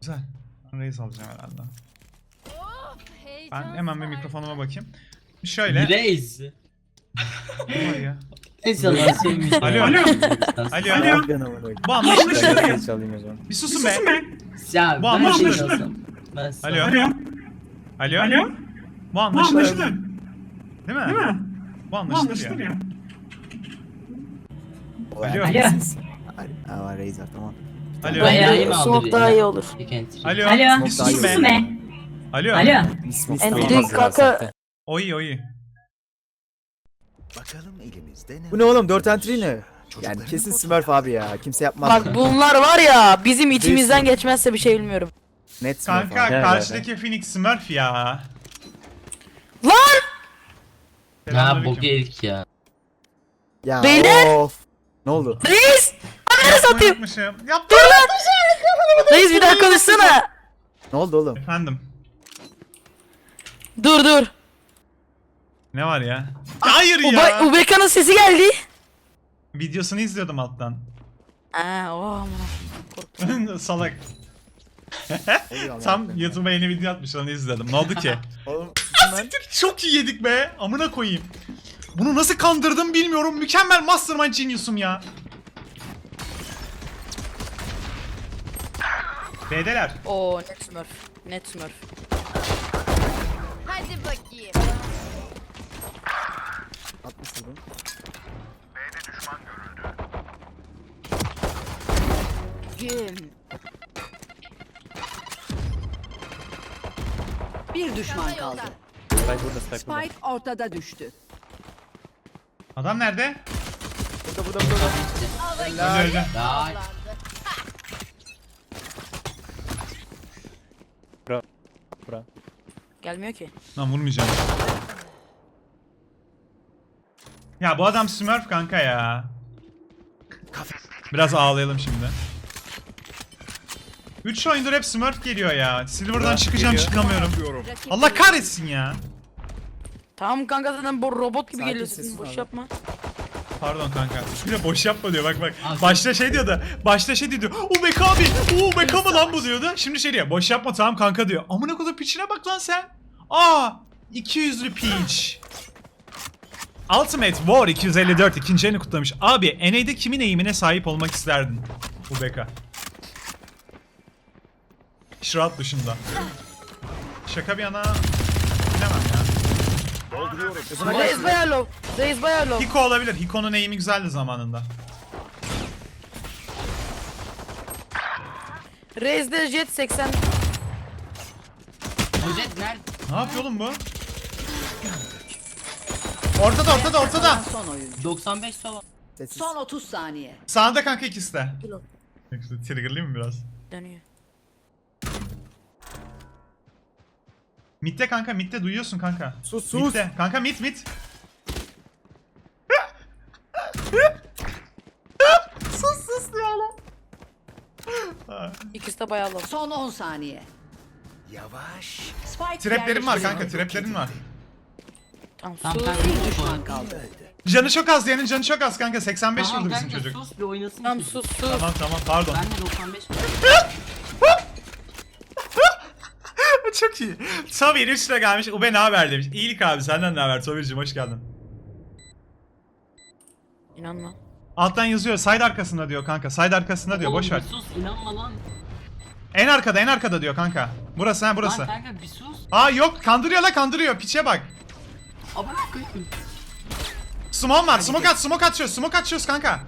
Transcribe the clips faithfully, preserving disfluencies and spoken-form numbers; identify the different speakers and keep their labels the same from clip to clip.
Speaker 1: Güzel. Ben Raze alacağım herhalde. Ben hemen bir mikrofonuma bakayım. Şöyle.
Speaker 2: Raze.
Speaker 1: Ne var ya?
Speaker 2: İnşallah sevmiş.
Speaker 1: Alo.
Speaker 2: Alo.
Speaker 1: Alo.
Speaker 3: Alo.
Speaker 1: Bu anlaşılır.
Speaker 3: Çalayım o zaman.
Speaker 1: Bir susun be.
Speaker 2: Ya
Speaker 1: Bu
Speaker 2: ben
Speaker 1: anlaşılır.
Speaker 2: şey olsam. Ben sana-
Speaker 1: Alo.
Speaker 4: Alo.
Speaker 1: Alo.
Speaker 4: Alo.
Speaker 1: Bu anlaşılır.
Speaker 4: Anlaşılır.
Speaker 1: Değil mi?
Speaker 4: Değil mi?
Speaker 1: Bu anlaşılır
Speaker 4: Anlaşılır
Speaker 1: ya.
Speaker 4: ya.
Speaker 1: Alo.
Speaker 3: Alo. Aa Razer tamam.
Speaker 1: Alo.
Speaker 2: Bayağı iyi mi aldın?
Speaker 5: Smoke daha iyi olur.
Speaker 1: Alo.
Speaker 5: Alo.
Speaker 1: Bir
Speaker 3: Smoke
Speaker 1: susun
Speaker 3: daha iyi
Speaker 1: be.
Speaker 5: be.
Speaker 1: Alo.
Speaker 5: Alo.
Speaker 3: İsmi
Speaker 5: Entry kanka.
Speaker 1: Oy oy.
Speaker 6: Bakalım elimizde ne?
Speaker 3: Bu ne oğlum dört entry ne? Yani kesin Smurf abi ya. Kimse yapmaz.
Speaker 5: Bak bunlar var ya bizim içimizden geçmezse bir şey bilmiyorum.
Speaker 3: Net Smurf
Speaker 1: Kanka
Speaker 3: abi.
Speaker 1: karşıdaki Phoenix Smurf ya.
Speaker 5: Lan!
Speaker 2: Ya
Speaker 1: Selamünaleyküm.
Speaker 2: bok yedik ya.
Speaker 3: Ya
Speaker 5: Beyler!
Speaker 3: of. Ne oldu?
Speaker 5: Reis! Ananı satayım!
Speaker 1: Yapmışım. Yaptım.
Speaker 5: Dur lan! Reis bir daha konuşsana!
Speaker 3: Ne oldu oğlum?
Speaker 1: Efendim.
Speaker 5: Dur dur.
Speaker 1: Ne var ya? Hayır
Speaker 5: Ube
Speaker 1: ya.
Speaker 5: Ubeka'nın sesi geldi.
Speaker 1: Videosunu izliyordum alttan.
Speaker 5: Aa oh aman.
Speaker 1: Salak.
Speaker 3: Oluyor
Speaker 1: Tam
Speaker 3: ama.
Speaker 1: YouTube'a yeni video atmış onu izledim. Ne oldu ki?
Speaker 3: Oğlum ben
Speaker 1: Çok iyi yedik be. Amına koyayım. Bunu nasıl kandırdım bilmiyorum. Mükemmel mastermind genius'um ya. B'deler.
Speaker 5: Oo net smurf. Net smurf.
Speaker 7: Hadi bakayım.
Speaker 3: altmış vurdum.
Speaker 7: Güm.
Speaker 8: Bir düşman kaldı.
Speaker 3: Spike burada spike burada.
Speaker 8: Spike ortada düştü.
Speaker 1: Adam nerede?
Speaker 3: Burada burada burada.
Speaker 1: Öldü öldü.
Speaker 2: Ya
Speaker 3: Bura.
Speaker 5: Gelmiyor ki.
Speaker 1: Lan vurmayacağım. Ya bu adam Smurf kanka ya. Biraz ağlayalım şimdi. üç oyundur hep Smurf geliyor ya. Silver'dan çıkacağım
Speaker 3: geliyor.
Speaker 1: çıkamıyorum. Allah kahretsin ya.
Speaker 5: Tamam kanka zaten bu robot gibi
Speaker 3: Sakin,
Speaker 5: geliyorsun.
Speaker 3: sessiz
Speaker 5: Boş
Speaker 3: abi.
Speaker 5: yapma.
Speaker 1: Pardon kanka. Bir de boş yapma diyor bak bak.
Speaker 2: Abi.
Speaker 1: Başta şey diyordu. Başta şey diyordu. O Beka abi. O Beka mı lan bu diyordu. Şimdi şey diyor. Boş yapma tamam kanka diyor. Amına kodum piçine bak lan sen. Aa, iki yüzlü piç. Ultimate War iki yüz elli dört ikinci elini kutlamış. Abi N A'de kimin eğimine sahip olmak isterdin? Bu Beka. Shroud dışında. Şaka bir yana. Bilemem ya.
Speaker 5: Reis bayağı low. Reis bayağı low.
Speaker 1: Hiko olabilir. Hiko'nun eğimi güzeldi zamanında.
Speaker 5: Reis'de jet seksen.
Speaker 2: Hojet nerede?
Speaker 1: Ne yapıyor oğlum bu? Ortada ortada ortada.
Speaker 8: Son oyuncu.
Speaker 2: doksan beş sava.
Speaker 3: Sessiz.
Speaker 8: Son otuz saniye.
Speaker 1: Sağında kanka ikisi de.
Speaker 5: Kilo.
Speaker 1: İşte triggerlayayım mı biraz?
Speaker 5: Dönüyor.
Speaker 1: Mid'de kanka mid'de duyuyorsun kanka.
Speaker 3: Sus sus.
Speaker 1: Mid'de. Kanka mid mid. sus sus diyor lan.
Speaker 5: İkisi de bayağı low.
Speaker 8: Son on saniye.
Speaker 6: Yavaş.
Speaker 8: Spike
Speaker 1: Traplerim var
Speaker 8: yerleştirildi.
Speaker 1: kanka traplerim var.
Speaker 5: Tamam
Speaker 2: Tamam
Speaker 5: sus.
Speaker 2: kanka.
Speaker 8: Bir düşman kaldı.
Speaker 1: Canı çok az diyenin canı çok az kanka. seksen beş
Speaker 2: Tamam
Speaker 1: vurdu bizim
Speaker 2: kanka
Speaker 1: çocuk.
Speaker 2: sus bir oynasın.
Speaker 5: Tamam
Speaker 2: çocuk.
Speaker 5: sus sus.
Speaker 1: Tamam tamam pardon.
Speaker 2: Ben de doksan beş.
Speaker 1: Çok iyi. Tabii üstüne gelmiş. Ube ne haber demiş. İyilik abi senden ne haber Tabii hoş geldin.
Speaker 5: İnanma.
Speaker 1: Alttan yazıyor side arkasında diyor kanka. Side arkasında diyor
Speaker 2: Oğlum,
Speaker 1: boş ver.
Speaker 2: bir sus inanma lan.
Speaker 1: En arkada en arkada diyor kanka. Burası ha burası.
Speaker 2: Lan kanka bir sus.
Speaker 1: Aa yok kandırıyor la kandırıyor piçe bak.
Speaker 2: Abone koyayım.
Speaker 1: Smoke var smoke at smoke atıyoruz smoke atıyoruz kanka.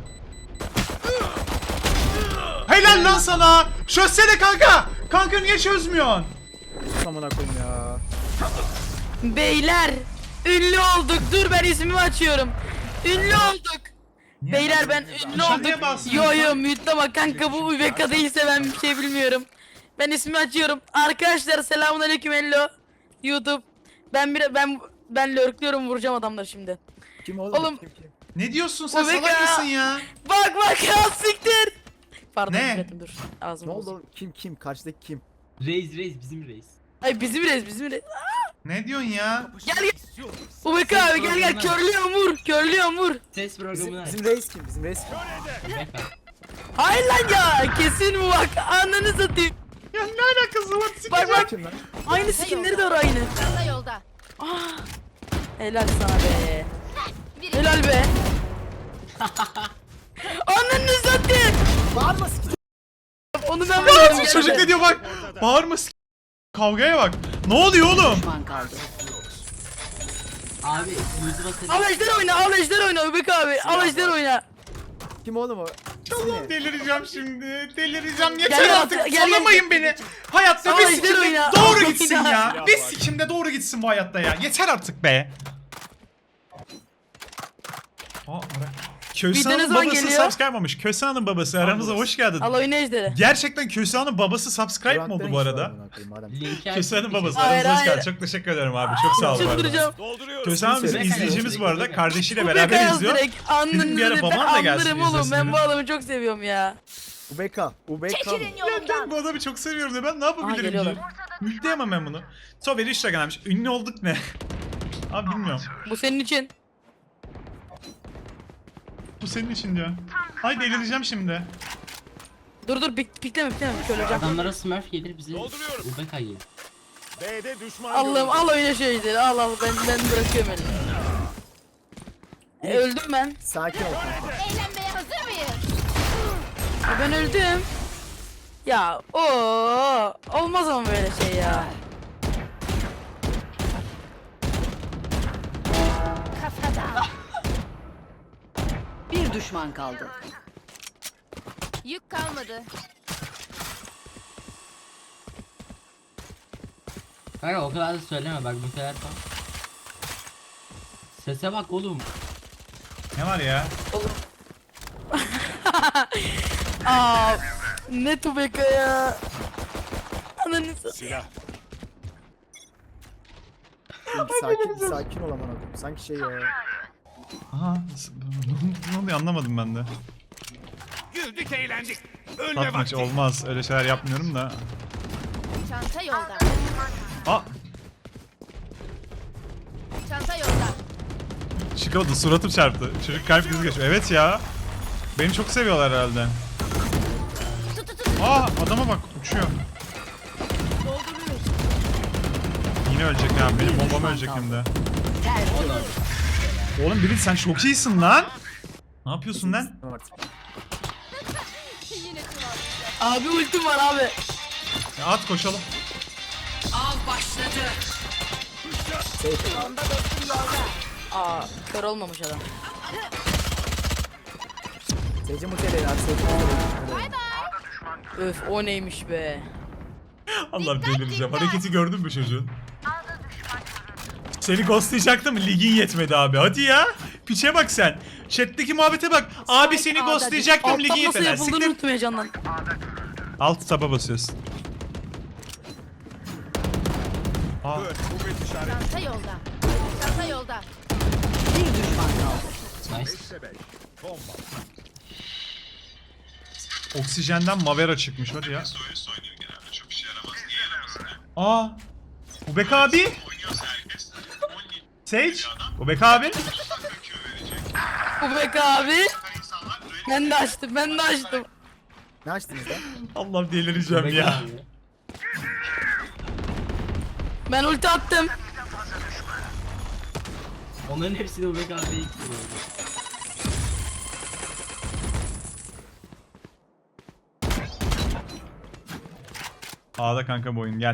Speaker 1: Helal lan sana. Çözsene kanka. Kanka niye çözmüyorsun?
Speaker 3: Amına koyayım ya.
Speaker 5: Beyler ünlü olduk. Dur ben ismimi açıyorum. Ünlü olduk. Beyler ben ünlü
Speaker 1: Nişan niye
Speaker 5: olduk.
Speaker 1: basmıyorsun?
Speaker 5: Yo yo mutlama kanka bu Ubeka değilse ben bir şey bilmiyorum. Ben ismi açıyorum. Arkadaşlar selamünaleyküm hello. YouTube. Ben bir ben ben lurkluyorum vuracağım adamları şimdi.
Speaker 3: Kim oğlum?
Speaker 5: Oğlum.
Speaker 3: Kim kim?
Speaker 1: Ne diyorsun sen
Speaker 5: Ubeka.
Speaker 1: salak mısın ya?
Speaker 5: Bak bak ya siktir. Pardon
Speaker 1: Ne?
Speaker 5: üretim dur. Ağzım
Speaker 3: Ne oldu
Speaker 5: bozuldu.
Speaker 3: oğlum? Kim kim? Karşıdaki kim?
Speaker 2: Reis reis bizim reis.
Speaker 5: Ay bizim reis bizim reis.
Speaker 1: Ne diyorsun ya?
Speaker 5: Gel gel. Ubeka abi gel gel körlüyorum vur. Körlüyorum vur.
Speaker 2: Ses programı
Speaker 3: Bizim,
Speaker 2: ne?
Speaker 3: bizim reis kim? Bizim reis kim?
Speaker 2: Beka.
Speaker 5: Hayır lan ya kesin bu bak ananı satayım.
Speaker 1: Ya ne Kızı var
Speaker 5: Bak bak.
Speaker 3: Kim lan?
Speaker 5: Aynı skinleri de var aynı.
Speaker 7: Çanta yolda.
Speaker 5: Helal sana be.
Speaker 7: Biri
Speaker 5: Helal be. Ananı satayım.
Speaker 3: Bağırma sikim.
Speaker 5: Onu ben biliyorum.
Speaker 1: Çocuk ne diyor bak. Bağırma s- Kavgaya bak. Ne oluyor oğlum?
Speaker 8: Düşman kaldı.
Speaker 2: Abi yüzü basın.
Speaker 5: Al ejder oyna, al ejder oyna Öbek abi. Al ejder oyna.
Speaker 3: Kim oğlum o?
Speaker 1: Allah'ım delireceğim şimdi. Delireceğim. Yeter
Speaker 5: Gel,
Speaker 1: artık.
Speaker 5: gel, gel.
Speaker 1: Sallamayın beni. Hayatta
Speaker 5: Al
Speaker 1: bir
Speaker 5: ejder
Speaker 1: sikimde
Speaker 5: oyna.
Speaker 1: doğru
Speaker 5: Al
Speaker 1: gitsin
Speaker 5: oyna.
Speaker 1: ya. Bir sikimde doğru gitsin bu hayatta ya. Yeter artık be. Aa, ara-
Speaker 5: Bir de ne
Speaker 1: Kösehan'ın
Speaker 5: zaman
Speaker 1: babası
Speaker 5: geliyor?
Speaker 1: subscribe olmuş. Kösehan'ın babası aramıza hoş geldin.
Speaker 5: Al oyna ejderi.
Speaker 1: Gerçekten Kösehan'ın babası subscribe mi oldu bu arada?
Speaker 2: Linki
Speaker 1: Kösehan'ın babası
Speaker 5: Hayır,
Speaker 1: aramıza hoş
Speaker 5: hayır.
Speaker 1: geldin. Çok teşekkür ederim abi. Çok sağ ol bu arada.
Speaker 5: Çıldıracağım.
Speaker 1: Kösehan bizim
Speaker 3: Kimse-
Speaker 1: izleyicimiz bu arada. Kardeşiyle
Speaker 5: Öbek
Speaker 1: beraber
Speaker 5: yaz
Speaker 1: izliyor.
Speaker 5: direkt.
Speaker 1: Dedim bir ara
Speaker 5: Anlarım
Speaker 1: babam da gelsin
Speaker 5: anlarım oğlum.
Speaker 1: izlesin
Speaker 5: Ben
Speaker 1: dedim.
Speaker 5: bu adamı çok seviyorum ya.
Speaker 3: Ubeka. Ubeka.
Speaker 7: çekilin
Speaker 1: Ya
Speaker 7: yolumdan.
Speaker 1: ben bu adamı çok seviyorum da ben ne
Speaker 5: Aha,
Speaker 1: yapabilirim
Speaker 5: geliyorlar.
Speaker 1: ki? Yükleyemem ben bunu. Sober üç lira gelmiş. Ünlü olduk ne? Abi bilmiyorum.
Speaker 5: Bu senin için.
Speaker 1: Bu senin için diyor. Ay delireceğim şimdi.
Speaker 5: Dur dur pik, pikleme pikleme şöyle hocam.
Speaker 2: Adamlara smurf gelir bize. Ubeka gelir.
Speaker 6: B'de düşman
Speaker 5: Allah'ım al oyna şu ejderi. Al al ben ben bırakıyorum elini. E, öldüm ben.
Speaker 3: Sakin ol. kanka.
Speaker 7: Eğlenmeye hazır mıyız?
Speaker 5: E, ben öldüm. Ya o olmaz ama böyle şey ya.
Speaker 7: Kafada.
Speaker 8: Bir düşman kaldı.
Speaker 7: Yük kalmadı.
Speaker 2: Kanka o kadar da söyleme bak bu kadar tam. Sese bak oğlum.
Speaker 1: Ne var ya?
Speaker 5: Aa ne tubeka ya. Ananı satayım.
Speaker 3: Oğlum, Sakin, sakin ol aman akım. Sanki şey ya.
Speaker 1: Aha. s- Ne oluyor anlamadım ben de.
Speaker 6: güldük eğlendik. Ölme
Speaker 1: Atmaç
Speaker 6: vakti.
Speaker 1: olmaz. Öyle şeyler yapmıyorum da.
Speaker 7: Çanta yolda.
Speaker 1: Aa.
Speaker 7: Çanta yolda.
Speaker 1: Çıkamadı. Suratım çarptı. Çocuk kalp krizi geçiyor. Evet ya. Beni çok seviyorlar herhalde.
Speaker 7: Tut tut tut.
Speaker 1: Aa adama bak uçuyor.
Speaker 7: Dolduruyoruz.
Speaker 1: Yine ölecek ya. Benim bombam ölecek hem de. Oğlum Birit sen çok iyisin lan. Ne yapıyorsun lan?
Speaker 3: Tamam artık.
Speaker 7: Yine kıvam.
Speaker 5: Abi ultim var abi.
Speaker 1: Ya at koşalım.
Speaker 7: Bomba dostum yolda.
Speaker 5: Aa kör olmamış adam.
Speaker 3: Seyirci muteleyin abi. Seyirci muteleyin.
Speaker 5: Öf o neymiş be.
Speaker 1: Allah delireceğim. Hareketi gördün mü çocuğun? Seni ghostlayacaktım ligin yetmedi abi. Hadi ya. Piçe bak sen. Chat'teki muhabbete bak. Abi seni ghostlayacaktım ligin
Speaker 5: Alttan nasıl
Speaker 1: yetmedi.
Speaker 5: yapıldığını
Speaker 1: Siktir.
Speaker 5: unuttum heyecandan.
Speaker 1: Alt taba basıyorsun. Aa,
Speaker 6: Kuvvet işareti.
Speaker 7: Çanta yolda. Çanta yolda.
Speaker 8: Bir düşman kaldı.
Speaker 2: Nice.
Speaker 6: beşte beş. Bomba.
Speaker 1: oksijenden Mavera çıkmış hadi ya. Aa. Ubek abi. Sage. Ubek abi.
Speaker 5: Ubek abi. Ben de açtım ben de açtım.
Speaker 3: Ne açtınız lan?
Speaker 1: Allah'ım delireceğim
Speaker 2: Ubeka
Speaker 1: ya.
Speaker 2: abi.
Speaker 5: Ben ulti attım.
Speaker 2: Onların hepsini Ubeka abiye gitti.
Speaker 1: A'da kanka bu oyun gel.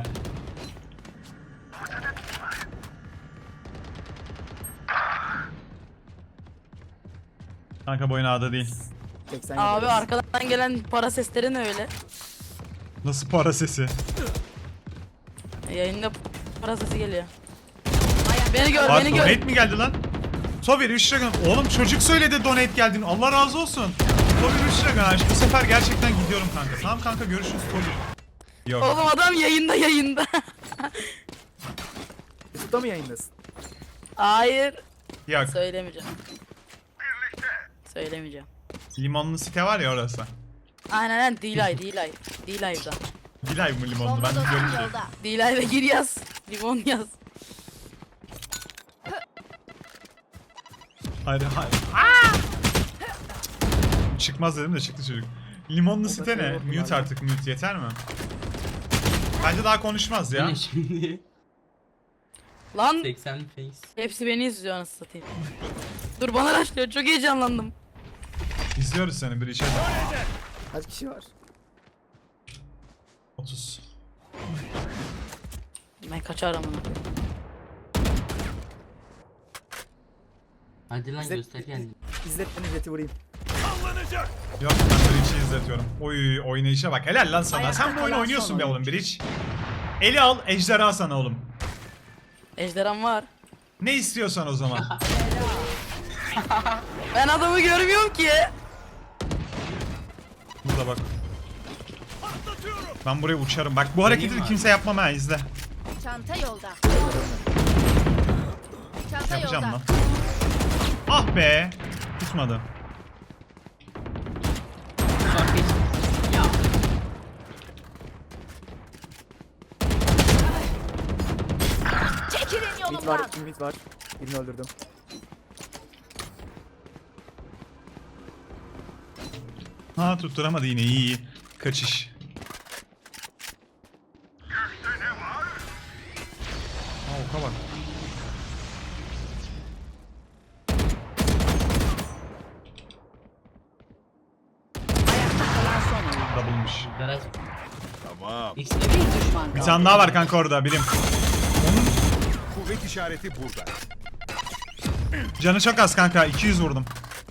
Speaker 1: Kanka bu oyun A'da değil.
Speaker 3: seksen
Speaker 5: Abi
Speaker 3: yedi.
Speaker 5: arkadan gelen para sesleri ne öyle?
Speaker 1: Nasıl para sesi?
Speaker 5: Yayında para sesi geliyor. Beni gör
Speaker 1: Aa,
Speaker 5: beni gör.
Speaker 1: donate mi geldi lan? Sober üç lira gö- Oğlum çocuk söyledi donate geldiğini. Allah razı olsun. Sober üç lira göndermiş. Bu sefer gerçekten gidiyorum kanka. Tamam kanka görüşürüz Sober. Yok.
Speaker 5: Oğlum adam yayında yayında.
Speaker 3: YouTube'da mı yayındasın?
Speaker 5: Hayır.
Speaker 1: Yok.
Speaker 5: Söylemeyeceğim. Söylemeyeceğim.
Speaker 1: Limonlu site var ya orası.
Speaker 5: Aynen aynen D-Live D-Live D-Live'da.
Speaker 1: Dilay mı limonlu?
Speaker 7: Bomba
Speaker 1: Ben
Speaker 7: dostum
Speaker 1: görünce.
Speaker 7: yolda.
Speaker 5: D-Live'a gir yaz. Limon yaz.
Speaker 1: Hayır hayır. Çıkmaz dedim de çıktı çocuk. Limonlu site ne? Mute artık mute yeter mi? Bence daha konuşmaz
Speaker 2: Bu
Speaker 1: ya.
Speaker 2: ne şimdi?
Speaker 5: Lan
Speaker 2: seksen face.
Speaker 5: hepsi beni izliyor anasını satayım. Dur bana raşlıyor çok heyecanlandım.
Speaker 1: İzliyoruz seni bir içeri.
Speaker 3: Kaç kişi var?
Speaker 1: otuz.
Speaker 5: Ben kaçarım onu.
Speaker 2: Hadi lan
Speaker 3: Bize-
Speaker 2: göster kendini.
Speaker 3: İzlet beni jeti vurayım.
Speaker 6: Sallanacak.
Speaker 1: Yok ben Breach'i izletiyorum. Oy oynayışa bak helal lan sana.
Speaker 8: Ayakta
Speaker 1: Sen bu oyunu
Speaker 8: kalan
Speaker 1: oynuyorsun
Speaker 8: son
Speaker 1: be oğlum Breach. Eli al ejderha sana oğlum.
Speaker 5: Ejderham var.
Speaker 1: Ne istiyorsan o zaman.
Speaker 5: Ben adamı görmüyorum ki.
Speaker 1: Burada bak. Ben buraya uçarım. Bak bu hareketi de
Speaker 2: abi.
Speaker 1: kimse yapmam ha izle.
Speaker 7: Çanta yolda. Çanta
Speaker 1: Yapacağım
Speaker 7: yolda.
Speaker 1: lan. Ah be. Tutmadı.
Speaker 2: Short face. Ya.
Speaker 7: Çekilin
Speaker 3: Mid var,
Speaker 7: yolumdan.
Speaker 3: iki mid var. Birini öldürdüm.
Speaker 1: Ha tutturamadı yine iyi iyi. Kaçış. Ha oka bak.
Speaker 8: Ayakta kalan son oyuncu.
Speaker 1: Double'mış.
Speaker 2: Garaj.
Speaker 6: Tamam.
Speaker 2: X'de
Speaker 8: Bir
Speaker 2: bir.
Speaker 8: düşman
Speaker 1: Bir
Speaker 8: kaldı.
Speaker 1: tane daha var kanka orada bilim.
Speaker 6: Kuvvet işareti burada.
Speaker 1: Canı çok az kanka iki yüz vurdum.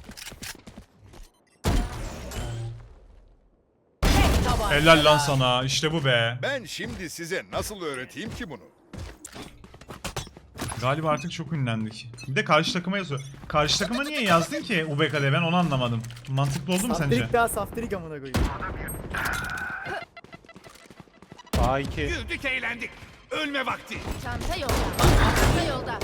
Speaker 8: Tek tabanca.
Speaker 1: Helal lan sana işte bu be.
Speaker 6: Ben şimdi size nasıl öğreteyim ki bunu?
Speaker 1: Galiba artık çok ünlendik. Bir de karşı takıma yazıyor. Karşı takıma niye yazdın ki U B K'de ben onu anlamadım. Mantıklı oldu mu sence?
Speaker 3: Saftirik daha saftirik amına koyayım.
Speaker 1: A iki.
Speaker 6: Güldük eğlendik. Ölme vakti.
Speaker 7: Çanta yolda. Çanta yolda.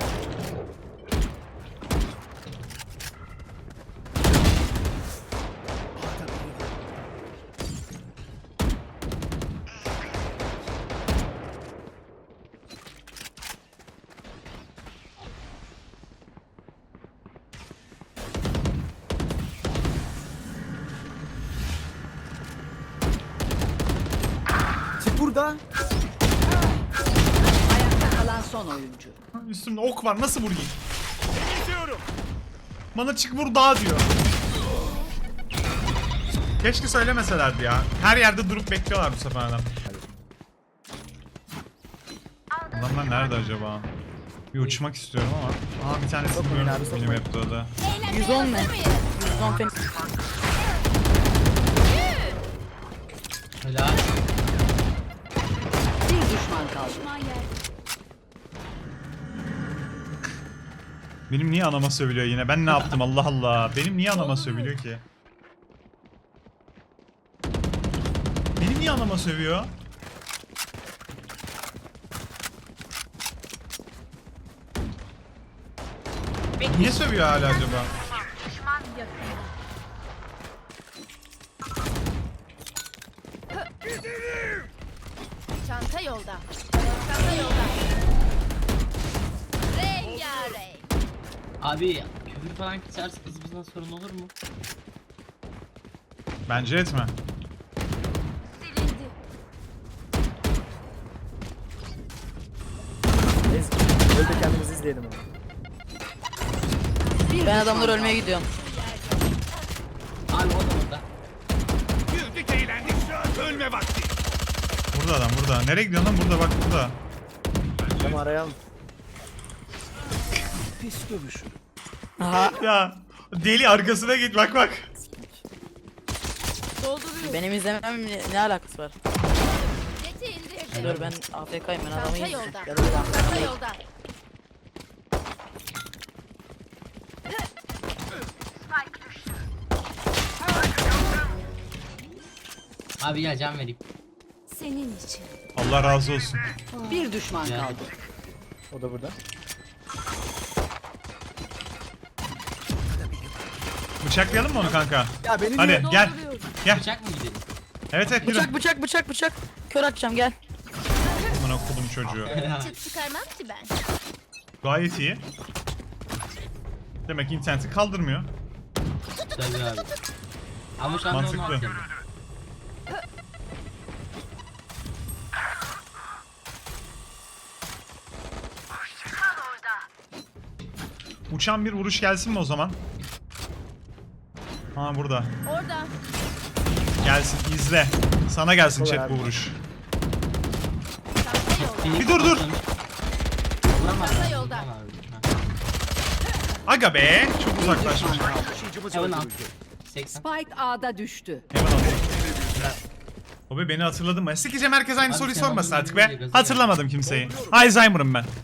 Speaker 3: Çık burada.
Speaker 8: Ayakta kalan son oyuncu.
Speaker 1: Üstümde ok var nasıl vurayım?
Speaker 6: Geçiyorum.
Speaker 1: Bana çık vur daha diyor. Keşke söylemeselerdi ya. Her yerde durup bekliyorlar bu sefer adam. Adamlar nerede acaba? Bir uçmak istiyorum ama. Aa bir tanesi
Speaker 3: Sokmayın
Speaker 1: bilmiyorum
Speaker 3: abi,
Speaker 1: benim
Speaker 3: sokmayın.
Speaker 1: hep o da.
Speaker 5: yüz on ne? yüz on fen.
Speaker 2: Helal.
Speaker 8: Bir düşman kaldı.
Speaker 1: Benim niye anama sövülüyor yine? Ben ne yaptım Allah Allah. Benim niye anama sövülüyor ki? Benim niye anama sövüyor? Niye sövüyor hala acaba?
Speaker 7: Çanta yolda. Çanta yolda. Rengarenk.
Speaker 2: Abi küfür falan kısarsa kızımızdan sorun olur mu?
Speaker 1: Bence etme.
Speaker 7: Silindi.
Speaker 3: Ez, öl de kendimizi izleyelim onu.
Speaker 8: Bir
Speaker 5: Ben
Speaker 8: düşman
Speaker 5: adamlar
Speaker 8: kaldı.
Speaker 5: ölmeye gidiyorum.
Speaker 2: Abi o da orada.
Speaker 6: Güldük eğlendik. Ölme vakti.
Speaker 1: Burada adam burada. Nereye gidiyorsun lan? Burada bak burada.
Speaker 3: Tamam arayalım.
Speaker 5: Aha.
Speaker 1: Ya deli arkasına git bak bak.
Speaker 7: Dolduruyor.
Speaker 5: Benim izlemem ne, ne alakası var?
Speaker 7: Jeti indir.
Speaker 5: Dur ben A F K'yim ben adamı
Speaker 7: Çanta
Speaker 5: izleyeyim.
Speaker 7: yolda.
Speaker 5: Ya da bir dakika.
Speaker 7: Çanta yolda.
Speaker 2: Abi gel can vereyim.
Speaker 7: Senin için.
Speaker 1: Allah razı olsun.
Speaker 8: Bir düşman
Speaker 2: Ya.
Speaker 8: kaldı.
Speaker 3: O da burada.
Speaker 1: Bıçaklayalım mı onu kanka?
Speaker 3: Ya beni
Speaker 1: Hadi
Speaker 3: niye-
Speaker 1: gel. Gel.
Speaker 2: Bıçak mı gidelim?
Speaker 1: Evet evet yürü.
Speaker 5: Bıçak bıçak bıçak bıçak. Kör atacağım gel.
Speaker 1: Aman okudum çocuğu.
Speaker 7: Çıt çıkarmam ki ben.
Speaker 1: Gayet iyi. Demek ki interneti kaldırmıyor.
Speaker 2: Tabii abi. Ama şu anda onu
Speaker 1: Mantıklı.
Speaker 2: atıyorum.
Speaker 1: Uçan bir vuruş gelsin mi o zaman? Ha burada.
Speaker 7: Orada.
Speaker 1: Gelsin izle. Sana gelsin
Speaker 3: Olur
Speaker 1: chat bu
Speaker 3: abi.
Speaker 1: vuruş.
Speaker 7: Çanta yolda.
Speaker 1: Bir dur dur.
Speaker 2: Vuramaz.
Speaker 7: Çanta yolda.
Speaker 2: Vuramaz.
Speaker 1: Aga be. Çok uzaklaşmış.
Speaker 6: Taşıyıcımız
Speaker 2: Heaven
Speaker 6: öldürüldü.
Speaker 2: seksen.
Speaker 8: Spike A'da düştü.
Speaker 1: Hemen alayım. O be beni hatırladın mı? Sikeceğim herkes aynı
Speaker 2: Abi
Speaker 1: soruyu
Speaker 2: sen
Speaker 1: sormasın
Speaker 2: onu
Speaker 1: artık
Speaker 2: bilince
Speaker 1: be.
Speaker 2: gaza
Speaker 1: Hatırlamadım kimseyi. Alzheimer'ım ben.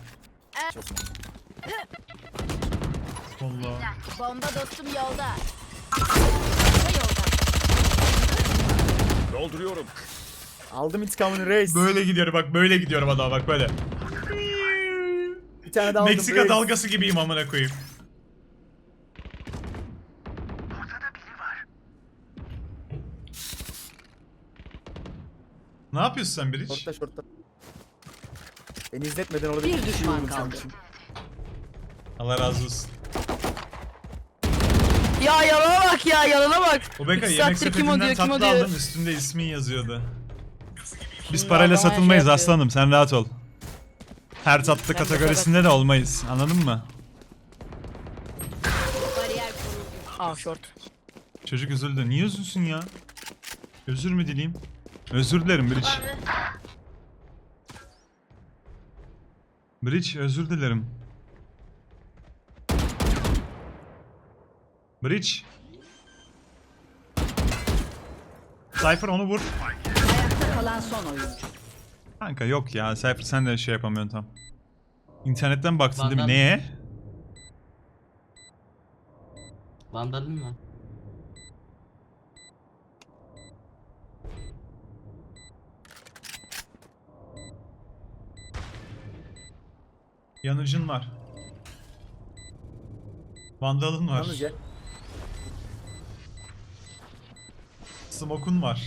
Speaker 1: Allah.
Speaker 7: Bomba dostum yolda. Çanta yolda.
Speaker 6: Dolduruyorum.
Speaker 3: Aldım intikamını reis.
Speaker 1: Böyle gidiyorum bak böyle gidiyorum adama bak böyle.
Speaker 3: Bir tane daha aldım
Speaker 1: Meksika
Speaker 3: reis.
Speaker 1: dalgası gibiyim amına koyayım. Ne yapıyorsun sen Biriç?
Speaker 3: Şortta şortta. Beni izletmeden orada
Speaker 8: Bir
Speaker 3: şey
Speaker 8: düşman
Speaker 3: vurdum
Speaker 8: kaldı.
Speaker 3: sanmışım.
Speaker 1: Allah razı olsun.
Speaker 5: Ya yalana bak ya yalana bak.
Speaker 1: O Beka
Speaker 5: İki
Speaker 1: yemek
Speaker 5: saattir kim o
Speaker 1: sepetinden
Speaker 5: diyor, kim o
Speaker 1: tatlı
Speaker 5: diyor.
Speaker 1: aldım üstünde ismin yazıyordu. Biz
Speaker 5: Şimdi
Speaker 1: parayla
Speaker 5: adama
Speaker 1: satılmayız
Speaker 5: şey yapıyor.
Speaker 1: aslanım sen rahat ol. Her tatlı
Speaker 5: Ben de
Speaker 1: kategorisinde de olmayız anladın mı?
Speaker 7: Bariyer kuruldu.
Speaker 5: Aa short.
Speaker 1: Çocuk üzüldü. Niye üzülsün ya? Özür mü dileyim? Özür dilerim Bridge. Bridge özür dilerim. Bridge. Cypher onu vur.
Speaker 8: Ayakta kalan son oyuncu.
Speaker 1: Kanka yok ya Cypher sen de şey yapamıyorsun tam. İnternetten baktın değil mi?
Speaker 2: Vandal.
Speaker 1: Neye?
Speaker 2: Vandalın mı?
Speaker 1: Yanıcın var. Vandalın var.
Speaker 3: Yalnız ya.
Speaker 1: Smoke'un var.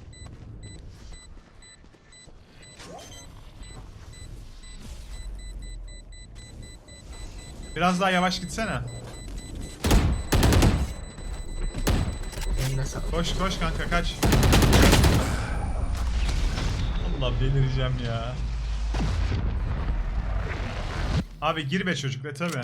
Speaker 1: Biraz daha yavaş gitsene.
Speaker 2: Eline sağlık.
Speaker 1: Koş koş kanka kaç. Allah delireceğim ya. Abi gir be çocuk be tabi.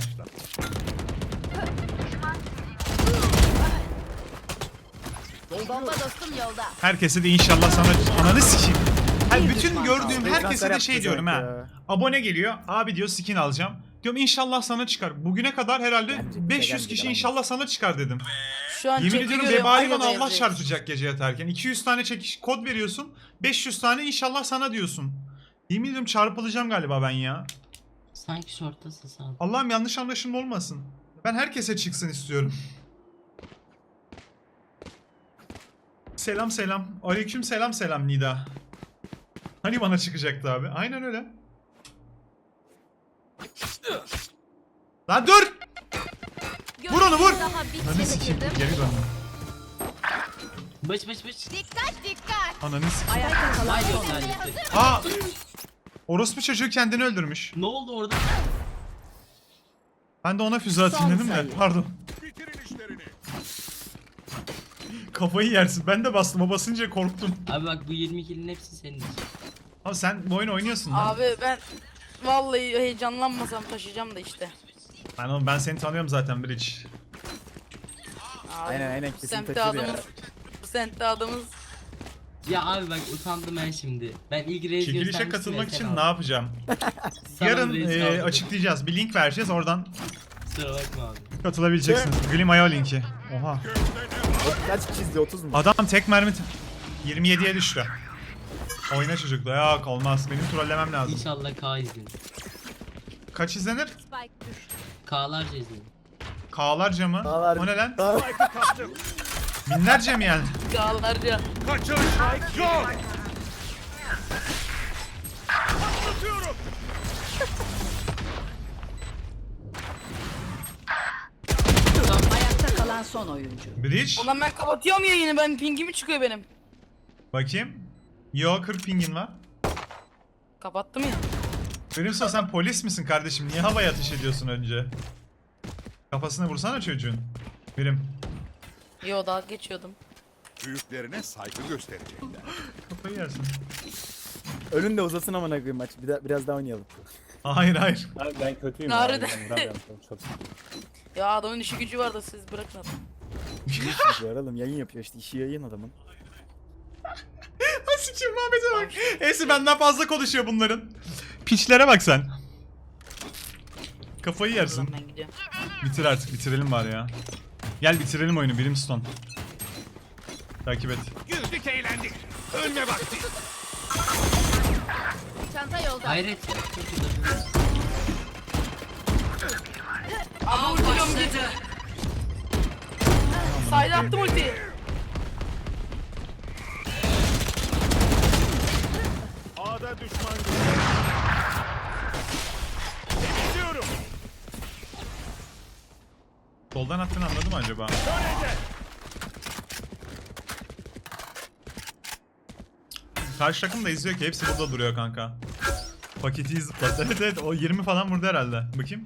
Speaker 7: Bomba dostum yolda.
Speaker 1: Herkese de inşallah sana ananı sikeyim. Hayır,
Speaker 8: Bir
Speaker 1: bütün
Speaker 8: düşman
Speaker 1: gördüğüm
Speaker 3: kaldı.
Speaker 1: herkese de
Speaker 3: Transfer
Speaker 1: şey
Speaker 3: yaptı
Speaker 1: diyorum
Speaker 3: sanki
Speaker 1: ha.
Speaker 3: ya.
Speaker 1: Abone geliyor. Abi diyor skin alacağım. Diyorum inşallah sana çıkar. Bugüne kadar herhalde
Speaker 3: Bence bize
Speaker 1: beş yüz
Speaker 3: gelmedi
Speaker 1: kişi
Speaker 3: lan.
Speaker 1: inşallah sana çıkar dedim.
Speaker 5: Şu an
Speaker 1: Yemin
Speaker 5: chat'i
Speaker 1: ediyorum
Speaker 5: görüyorum,
Speaker 1: vebalinden
Speaker 5: aynı
Speaker 1: Allah
Speaker 5: yazıyor.
Speaker 1: çarpacak gece yatarken. iki yüz tane çekiş kod veriyorsun. beş yüz tane inşallah sana diyorsun. Yemin ediyorum çarpılacağım galiba ben ya.
Speaker 2: Sanki shorttasın sağ ol.
Speaker 1: Allah'ım yanlış anlaşılma olmasın. Ben herkese çıksın istiyorum. Selam selam. Aleyküm selam selam Nida. Hani bana çıkacaktı abi? Aynen öyle. Lan dur! Vur onu, vur!
Speaker 7: Daha
Speaker 1: Ananı
Speaker 7: bitmedi
Speaker 1: sikeyim.
Speaker 7: kızım.
Speaker 1: Geri döndüm.
Speaker 2: Bıç bıç bıç.
Speaker 7: Dikkat dikkat.
Speaker 1: Ananı sikeyim.
Speaker 8: Ayakta kalan
Speaker 2: Haydi
Speaker 8: son
Speaker 2: haydi.
Speaker 8: oyuncu.
Speaker 1: Aa! Orospu çocuğu kendini öldürmüş.
Speaker 2: Ne oldu orada?
Speaker 1: Ben de ona füze atayım
Speaker 8: Son
Speaker 1: dedim de.
Speaker 8: sayı.
Speaker 1: Pardon.
Speaker 6: Bitirin işlerini.
Speaker 1: Kafayı yersin. Ben de bastım. O basınca korktum.
Speaker 2: Abi bak bu yirmi kill'in hepsi senin için.
Speaker 1: Abi sen bu oyunu oynuyorsun lan.
Speaker 5: Abi ben vallahi heyecanlanmasam taşıyacağım da işte.
Speaker 1: Ben, oğlum, ben seni tanıyorum zaten Bridge.
Speaker 5: Abi,
Speaker 3: Aynen, aynen,
Speaker 5: bu
Speaker 3: kesin
Speaker 5: semtte
Speaker 3: taşır ya.
Speaker 5: adımız. Bu semtte adımız.
Speaker 2: Ya abi bak utandım ben şimdi. Ben ilk reis
Speaker 1: Çekilişe
Speaker 2: göstermiştim
Speaker 1: katılmak
Speaker 2: ya,
Speaker 1: için
Speaker 2: sen
Speaker 1: ne
Speaker 2: al.
Speaker 1: yapacağım?
Speaker 2: Sana
Speaker 1: Yarın
Speaker 2: reis
Speaker 1: e,
Speaker 2: kaldı.
Speaker 1: açıklayacağız. Bir link vereceğiz. Oradan
Speaker 2: Kusura bakma abi.
Speaker 1: katılabileceksiniz. Glimaya linki. Oha.
Speaker 3: Kaç kişi izliyor? otuz mu?
Speaker 1: Adam tek mermi t- yirmi yediye düştü. Oyna çocukla. Yok olmaz. Benim trollemem lazım.
Speaker 2: İnşallah K izlenir.
Speaker 1: Kaç izlenir?
Speaker 7: Spike düştü.
Speaker 2: K'larca izlenir.
Speaker 1: K'larca mı?
Speaker 3: K'lar-
Speaker 1: O ne lan?
Speaker 3: Daha-
Speaker 6: Kaptım.
Speaker 1: Binlerce mi yani?
Speaker 5: Dağlarca.
Speaker 6: Kaçış yok. Atıyorum.
Speaker 8: Ayakta kalan son oyuncu.
Speaker 1: Bridge.
Speaker 5: Ulan ben kapatıyorum yayını, ben pingimi çıkıyor benim.
Speaker 1: Bakayım. Yo kırk pingin var.
Speaker 5: Kapattım ya.
Speaker 1: Benimse sen polis misin kardeşim? Niye havaya ateş ediyorsun önce? Kafasına vursana çocuğun. Benim.
Speaker 5: Yo dalga geçiyordum.
Speaker 6: Büyüklerine saygı gösterecekler.
Speaker 1: Kafayı yersin.
Speaker 3: Önün de uzasın amına koyayım maç. Bir da- biraz daha oynayalım.
Speaker 1: Hayır hayır.
Speaker 4: Abi ben kötüyüm.
Speaker 5: Harbiden.
Speaker 4: Abi, ben vuramıyorum çok. çok.
Speaker 5: Ya adamın işi gücü var da siz bırakın adamı.
Speaker 3: İşi var oğlum, yayın yapıyor işte, işi yayın adamın.
Speaker 1: Sikiyim Muhammed'e bak. Neyse benden fazla konuşuyor bunların. Piçlere bak sen. Kafayı yersin.
Speaker 5: Ben gidiyorum.
Speaker 1: Bitir artık, bitirelim var ya. Gel bitirelim oyunu Brimstone. Takip et.
Speaker 6: Güldük eğlendik. Ölme vakti.
Speaker 7: Çanta yolda.
Speaker 2: Hayret ya. Çok güzel.
Speaker 5: Abi ultiyorum git. Sayda attım ultiyi.
Speaker 6: A'da düşman görüldü. Gidiyorum.
Speaker 1: Soldan attığını anladı mı acaba?
Speaker 6: Önce.
Speaker 1: Karşı takım da izliyor ki hepsi burada duruyor kanka. Paketi zıplat. Evet evet o yirmi falan vurdu herhalde. Bakayım.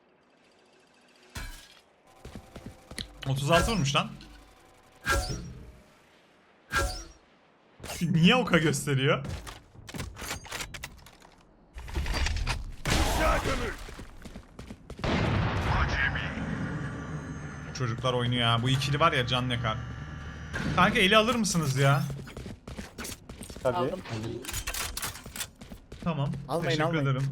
Speaker 1: otuz altı vurmuş lan. Niye oka gösteriyor?
Speaker 6: Aşağı gömül.
Speaker 1: Çocuklar oynuyor ha. Bu ikili var ya can yakar. Kanka eli alır mısınız ya?
Speaker 3: Tabii.
Speaker 5: Aldım.
Speaker 1: Tamam.
Speaker 3: Almayın,
Speaker 1: Teşekkür
Speaker 3: almayın.
Speaker 1: ederim.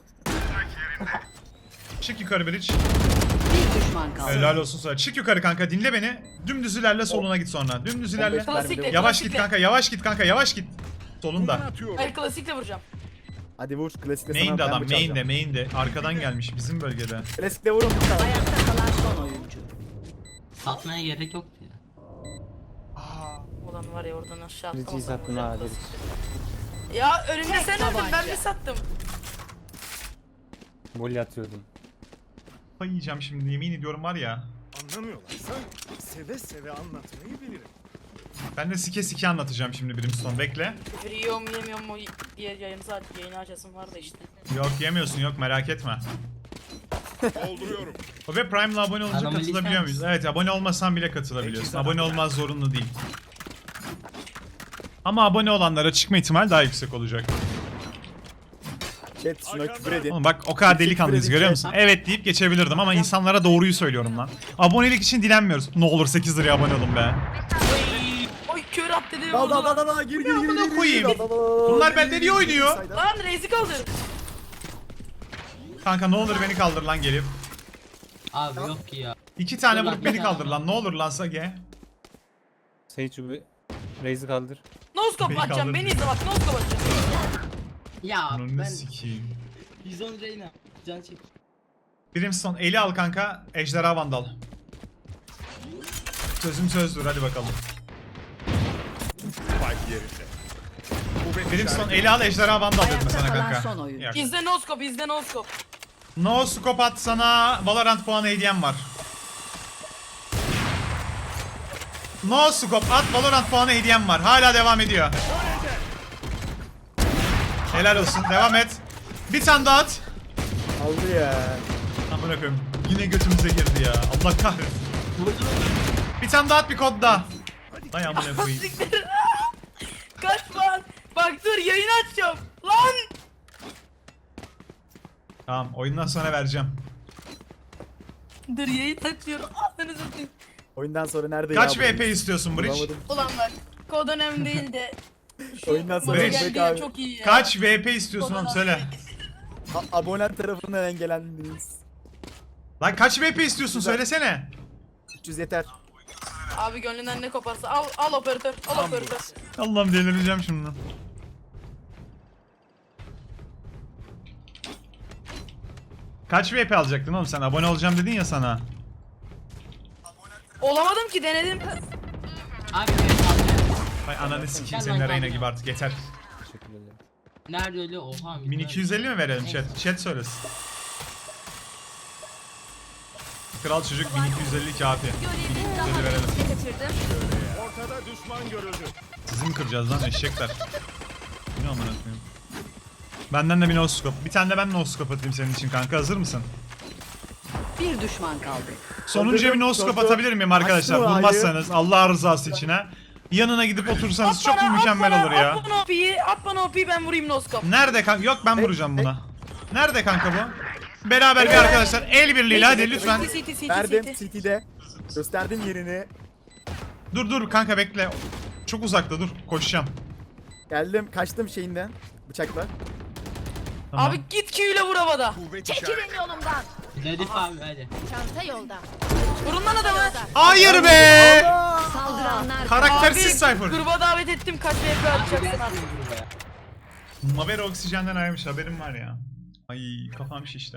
Speaker 1: Çık yukarı Bridge.
Speaker 8: Bir düşman kaldı.
Speaker 1: Helal olsun sana. Çık yukarı kanka dinle beni. Dümdüz ilerle soluna git sonra. Dümdüz ilerle.
Speaker 3: on beş mermi de
Speaker 5: Klasikle,
Speaker 3: vur.
Speaker 1: Yavaş git
Speaker 5: klasikle.
Speaker 1: kanka yavaş git kanka yavaş git. Solunda.
Speaker 6: Atıyorum.
Speaker 5: Hayır klasikle vuracağım.
Speaker 3: Hadi vur, klasikle sana
Speaker 1: Main'de
Speaker 3: ben
Speaker 1: adam
Speaker 3: bıçak
Speaker 1: main'de
Speaker 3: alacağım.
Speaker 1: main'de. Arkadan gelmiş bizim bölgede.
Speaker 3: Klasikle vurun.
Speaker 8: Ayakta kalan son oyuncu.
Speaker 2: Satmaya gerek yoktu ya.
Speaker 5: Ulan var ya oradan aşağı
Speaker 4: Bridge'i
Speaker 5: atlamasam
Speaker 4: sattın
Speaker 5: vuracağım
Speaker 4: ha,
Speaker 5: klasik. Ya önümde sen öldün ben
Speaker 8: tabanca.
Speaker 5: mi sattım?
Speaker 4: Gol atıyordum.
Speaker 1: Kafayı yiyeceğim şimdi yemin ediyorum var ya.
Speaker 6: Anlamıyorlarsa seve seve anlatmayı bilirim.
Speaker 1: Ben de sike sike anlatacağım şimdi Brimstone bekle.
Speaker 5: Küfür yiyor mu yemiyor mu diye yayını zaten yayını açasım var da işte.
Speaker 1: Yok yemiyorsun yok merak etme.
Speaker 6: Dolduruyorum.
Speaker 1: O ve Prime'la abone olunca
Speaker 2: Adamı
Speaker 1: katılabiliyor
Speaker 2: lisan
Speaker 1: muyuz? Evet abone olmasan bile katılabiliyorsun. Abone olmaz zorunlu değil. Ama abone olanlara çıkma ihtimal daha yüksek olacak.
Speaker 3: Chat şuna küfür edin.
Speaker 1: Oğlum bak o kadar delikanlıyız görüyor musun? Evet deyip geçebilirdim ama insanlara doğruyu söylüyorum lan. Abonelik için dilenmiyoruz. Ne olur sekiz liraya abone olun be.
Speaker 5: Oy kör at dedi.
Speaker 3: Dal dal
Speaker 5: vurdu.
Speaker 3: dal dal gir gir gir
Speaker 1: amına
Speaker 3: gir, gir,
Speaker 1: koyayım?
Speaker 3: dal, dal, dal,
Speaker 1: Bunlar
Speaker 3: gir,
Speaker 1: bende
Speaker 3: gir,
Speaker 1: niye
Speaker 3: gir,
Speaker 1: oynuyor?
Speaker 3: sayda.
Speaker 5: Lan reisi kaldır.
Speaker 1: Kanka ne olur beni kaldır lan gelip.
Speaker 2: Abi yok ki ya.
Speaker 1: İki tane
Speaker 2: Dur lan,
Speaker 1: vurup
Speaker 2: bir
Speaker 1: beni
Speaker 2: tane
Speaker 1: kaldır
Speaker 2: daha.
Speaker 1: lan ne olur lan Sage.
Speaker 4: Sage bir Raze'i kaldır.
Speaker 5: Noskop
Speaker 1: Beni
Speaker 5: atacağım
Speaker 1: kaldır.
Speaker 5: beni izle bak noskop atacağım.
Speaker 2: Ya
Speaker 1: Onu
Speaker 2: ben
Speaker 1: sikeyim.
Speaker 2: yüz on Reyna. Can çek.
Speaker 1: Brimstone eli al kanka. Ejderha Vandal. Sözüm sözdür hadi bakalım.
Speaker 6: Spike yerinde.
Speaker 1: Brimstone eli al Ejderha Vandal dedim
Speaker 8: Ayakta
Speaker 1: sana
Speaker 8: kalan
Speaker 1: kanka.
Speaker 8: son oyuncu.
Speaker 1: Yok.
Speaker 5: İzle noskop izle noskop.
Speaker 1: No scope at sana Valorant puanı hediyem var. No scope at Valorant puanı hediyem var. Hala devam ediyor. Helal olsun. Devam et. Bir tane daha at.
Speaker 3: Aldı ya.
Speaker 1: Amına koyayım. Yine götümüze girdi ya. Allah kahretsin. Bir tane daha at bir kod daha. Ay amına koyayım.
Speaker 5: Siktir. Kaç lan. Bak dur yayını açacağım. Lan.
Speaker 1: Tamam oyundan sonra vereceğim.
Speaker 5: Dur yayını açıyorum. Ağzını satayım.
Speaker 3: Oyundan sonra nerede
Speaker 1: Kaç
Speaker 3: ya?
Speaker 1: V P istiyorsun Bridge?
Speaker 3: Bulamadım.
Speaker 5: Ulan bak. Kod önemli değil de. Şu
Speaker 3: Oyundan sonra
Speaker 5: maça
Speaker 1: Beş.
Speaker 5: geldi ya, çok iyi ya.
Speaker 1: Kaç V P istiyorsun oğlum söyle.
Speaker 3: A- abone tarafından engelendiniz.
Speaker 1: Lan kaç V P istiyorsun söylesene.
Speaker 3: üç yüz yeter.
Speaker 5: Abi gönlünden ne koparsa al al operatör al operatör.
Speaker 1: Allah'ım delireceğim şimdi. Kaç V P alacaktın oğlum sen? Abone olacağım dedin ya sana.
Speaker 5: Olamadım ki denedim.
Speaker 2: Abi evet abi.
Speaker 1: Ay ananı sikeyim
Speaker 2: Gel
Speaker 1: senin
Speaker 2: lan,
Speaker 1: Reyna
Speaker 2: gel
Speaker 1: gibi artık yeter.
Speaker 4: Teşekkür ederim.
Speaker 2: Nerede öyle? Oha.
Speaker 1: bin iki yüz elli mi verelim chat? Chat söylesin. Kral çocuk bin iki yüz elli kafi.
Speaker 7: Görevi daha
Speaker 1: bin iki yüz elli verelim.
Speaker 7: ne kaçırdım?
Speaker 6: Ortada düşman görüldü.
Speaker 1: Sizi mi kıracağız lan eşekler? Ne amına koyayım? Benden de bir no scope. Bir tane de ben no scope atayım senin için kanka. Hazır mısın?
Speaker 8: Bir düşman kaldı.
Speaker 1: Sonuncuya bir no scope atabilir miyim arkadaşlar?
Speaker 3: Açtım ağayı.
Speaker 1: Bulmazsanız Allah rızası içine. Yanına gidip otursanız çok
Speaker 5: bana,
Speaker 1: mükemmel
Speaker 5: at bana,
Speaker 1: olur ya.
Speaker 5: At bana O P'yi at bana O P'yi ben vurayım noskop.
Speaker 1: Nerede kanka? Yok ben vuracağım buna. Nerede kanka bu? Beraber bir arkadaşlar el birliğiyle hadi lütfen.
Speaker 5: City city city
Speaker 3: Verdim
Speaker 5: city.
Speaker 3: City'de. Gösterdim yerini.
Speaker 1: Dur dur kanka bekle. Çok uzakta dur koşacağım.
Speaker 3: Geldim kaçtım şeyinden. Bıçakla.
Speaker 1: Tamam.
Speaker 5: Abi git Q ile vur havada.
Speaker 6: Kuvvet işareti.
Speaker 7: Çekilin yolumdan.
Speaker 2: Hedef abi hadi.
Speaker 7: Çanta yolda.
Speaker 5: Vurun lan adamı.
Speaker 1: Hayır be!
Speaker 8: Saldıranlar
Speaker 1: Karaktersiz
Speaker 5: Abi
Speaker 1: Cypher.
Speaker 5: gruba davet ettim kaç V P atacaksın artık.
Speaker 1: Mavera oksijenden ayrılmış haberim var ya. Ay kafam şişti.